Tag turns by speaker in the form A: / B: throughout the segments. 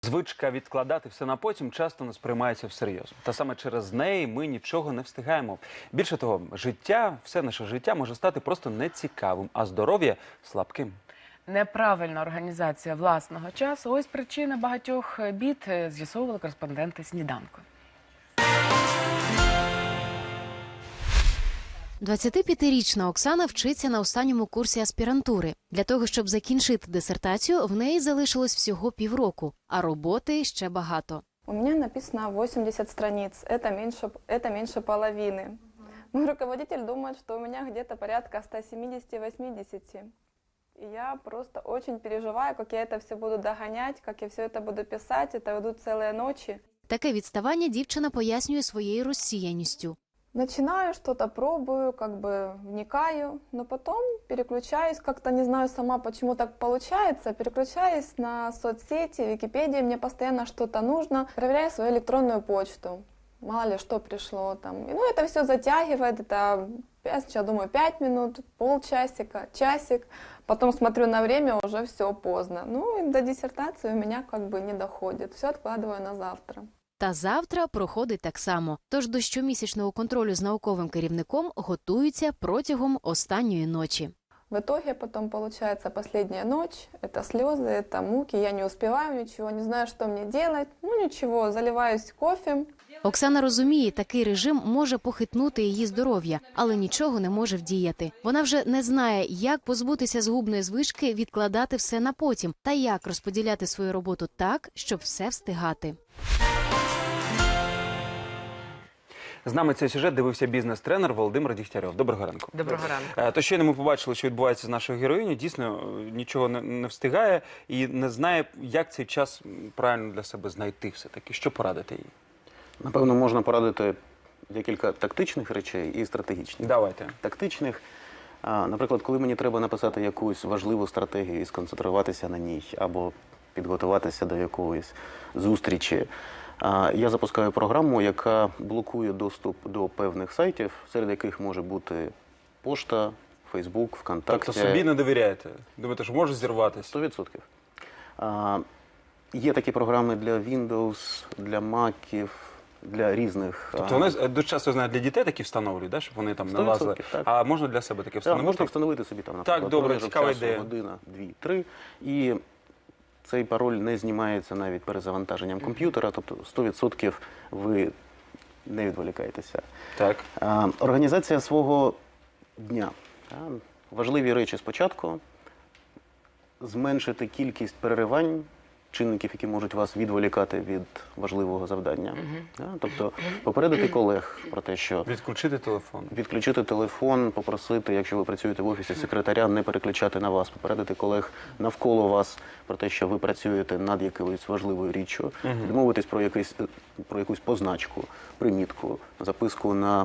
A: Звичка відкладати все на потім часто не сприймається всерйоз. Та саме через неї ми нічого не встигаємо. Більше того, все наше життя може стати просто нецікавим, а здоров'я – слабким.
B: Неправильна організація власного часу – ось причина багатьох бід, з'ясовували кореспонденти «Сніданку».
C: 25-річна Оксана вчиться на останньому курсі аспірантури. Для того, щоб закінчити дисертацію, в неї залишилось всього півроку, а роботи ще багато.
D: У меня написано 80 страниц, это меньше половины. Мой руководитель думает, что у меня где-то порядка 170-80. И я просто очень переживаю, как я это все буду догонять, как я все это буду писать, это идут целые ночи.
C: Таке відставання дівчина пояснює своєю розсіяністю.
D: Начинаю, что-то пробую, как бы вникаю, но потом переключаюсь, как-то не знаю сама, почему так получается, переключаюсь на соцсети, Википедию, мне постоянно что-то нужно, проверяю свою электронную почту, мало ли что пришло там. И, ну, это все затягивает, это, я сначала думаю, 5 минут, полчасика, часик, потом смотрю на время, уже все поздно. Ну, и до диссертации у меня как бы не доходит, все откладываю на завтра.
C: Та завтра проходить так само. Тож до щомісячного контролю з науковим керівником готуються протягом останньої ночі.
D: В итоге потом получается последняя ночь, это слезы, это муки, я не успеваю ничего, не знаю, что мне делать. Ну ничего, заливаюсь кофе.
C: Оксана розуміє, такий режим може похитнути її здоров'я, але нічого не може вдіяти. Вона вже не знає, як позбутися згубної звички відкладати все на потім та як розподіляти свою роботу так, щоб все встигати.
A: З нами цей сюжет дивився бізнес-тренер Володимир Дігтярьов. Доброго ранку.
B: Доброго ранку.
A: То щойно ми побачили, що відбувається з нашою героїнею. Дійсно, нічого не встигає і не знає, як цей час правильно для себе знайти все-таки. Що порадити їй?
E: Напевно, можна порадити декілька тактичних речей і стратегічних.
A: Давайте.
E: Тактичних, наприклад, коли мені треба написати якусь важливу стратегію і сконцентруватися на ній, або підготуватися до якоїсь зустрічі, я запускаю програму, яка блокує доступ до певних сайтів, серед яких може бути пошта, Фейсбук, ВКонтакте.
A: Тобто собі не довіряєте? Думаєте, що може зірватися?
E: 100%. Є такі програми для Windows, для Mac'ів, для різних...
A: Тобто вони дуже часто, знають, для дітей такі встановлюють, да? Щоб вони там не
E: 100%,
A: лазили?
E: так.
A: А можна для себе таке встановити?
E: Так, можна встановити собі там, наприклад,
A: так, добре,
E: проміжок
A: цікава
E: часу,
A: ідея.
E: година, 2-3, і цей пароль не знімається навіть перезавантаженням комп'ютера, тобто 100% ви не відволікаєтеся.
A: Так.
E: Організація свого дня. Важливі речі спочатку. Зменшити кількість переривань, чинників, які можуть вас відволікати від важливого завдання. Тобто попередити колег про те, що...
A: Відключити телефон.
E: Відключити телефон, попросити, якщо ви працюєте в офісі, секретаря не переключати на вас, попередити колег навколо вас про те, що ви працюєте над якоюсь важливою річчю, домовитись про якусь позначку, примітку, записку на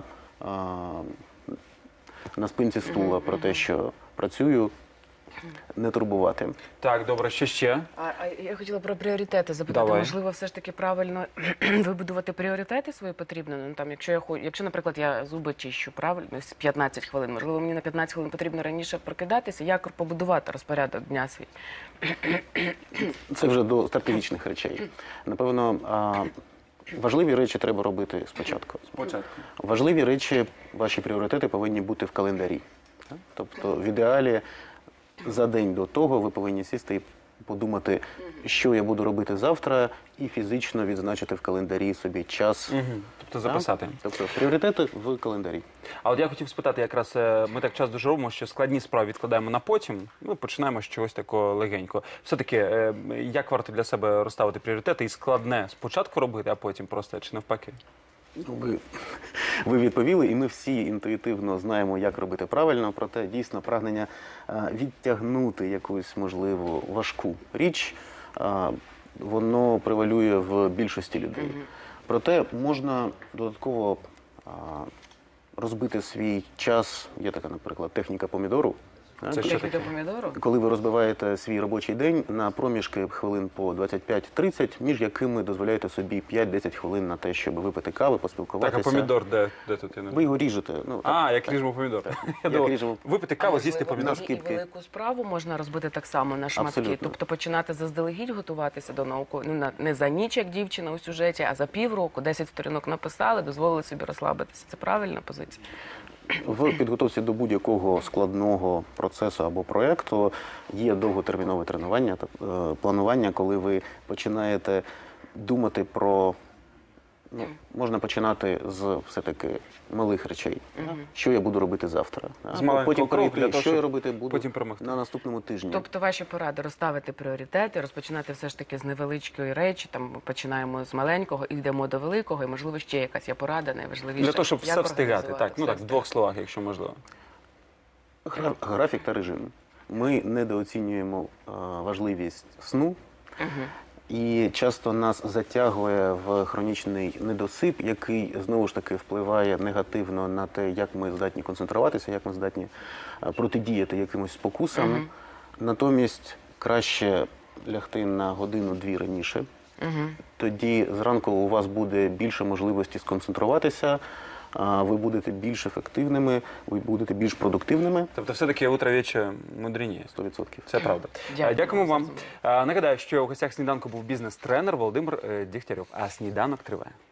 E: спинці стула про те, що працюю, не турбувати.
A: Так, добре, що ще?
B: Я хотіла про пріоритети запитати.
A: Давай.
B: Можливо, все ж таки правильно вибудувати пріоритети свої потрібно? Ну, там, якщо, наприклад, я зуби чищу правильно, з 15 хвилин, можливо, мені на 15 хвилин потрібно раніше прокидатися, як побудувати розпорядок дня свій?
E: Це вже до стратегічних речей. Напевно, важливі речі треба робити спочатку. Важливі речі, ваші пріоритети повинні бути в календарі. Тобто, в ідеалі, за день до того ви повинні сісти і подумати, що я буду робити завтра, і фізично відзначити в календарі собі час.
A: Тобто записати.
E: Тобто пріоритети в календарі.
A: А от я хотів спитати, якраз ми так часто дуже робимо, що складні справи відкладаємо на потім, ми починаємо з чогось такого легенького. Все-таки, як варто для себе розставити пріоритети і складне спочатку робити, а потім просто, чи навпаки?
E: Ви відповіли, і ми всі інтуїтивно знаємо, як робити правильно, проте дійсно прагнення відтягнути якусь, можливо, важку річ, воно превалює в більшості людей. Проте можна додатково розбити свій час, є така, наприклад, техніка помідору,
A: Це що
B: Техніка
A: таке?
B: помідору?
E: Коли ви розбиваєте свій робочий день на проміжки хвилин по 25-30, між якими дозволяєте собі 5-10 хвилин на те, щоб випити кави,
A: Так,
E: поспілкуватися.
A: а помідор де тут? Я не-
E: Ви його ріжете. Ну,
A: А,
E: так,
A: як
E: так.
A: ріжемо помідор. Я
E: Як
A: думав,
E: ріжемо.
A: випити каву, з'їсти
B: Можливо,
A: помідор.
B: тоді
E: шкірки.
B: І велику справу можна розбити так само на шматки.
E: Абсолютно.
B: Тобто починати заздалегідь готуватися до науки, не за ніч, як дівчина у сюжеті, а за півроку, 10 сторінок написали, дозволили собі розслабитися. Це правильна позиція?
E: В підготовці до будь-якого складного процесу або проєкту є довготермінове тренування, планування, коли ви починаєте думати про. Ну, можна починати з все-таки малих речей. Що я буду робити завтра?
A: З маленького
E: Потім
A: кроку
E: перейти,
A: для того,
E: що я
A: щоб
E: робити буду
A: потім перемогти.
E: на наступному тижні.
B: Тобто ваші поради розставити пріоритети, розпочинати все ж таки з невеличкої речі, там починаємо з маленького, йдемо до великого, і можливо ще якась є порада найважливіша.
A: Для того, щоб
B: Як
A: все встигати.
B: організувати
A: Так, ну
B: все
A: так, в двох словах, якщо можливо.
E: Графік та режим. Ми недооцінюємо важливість сну. І часто нас затягує в хронічний недосип, який знову ж таки впливає негативно на те, як ми здатні концентруватися, як ми здатні протидіяти якимось спокусам. Натомість краще лягти на годину-дві раніше. Тоді зранку у вас буде більше можливості сконцентруватися, ви будете більш ефективними, ви будете більш продуктивними.
A: Тобто все-таки утро вече мудріє.
E: 100%.
A: Це правда.
B: Дякую.
A: Дякуємо вам. Нагадаю, що у гостях сніданку був бізнес-тренер Володимир Дігтярьов. А сніданок триває.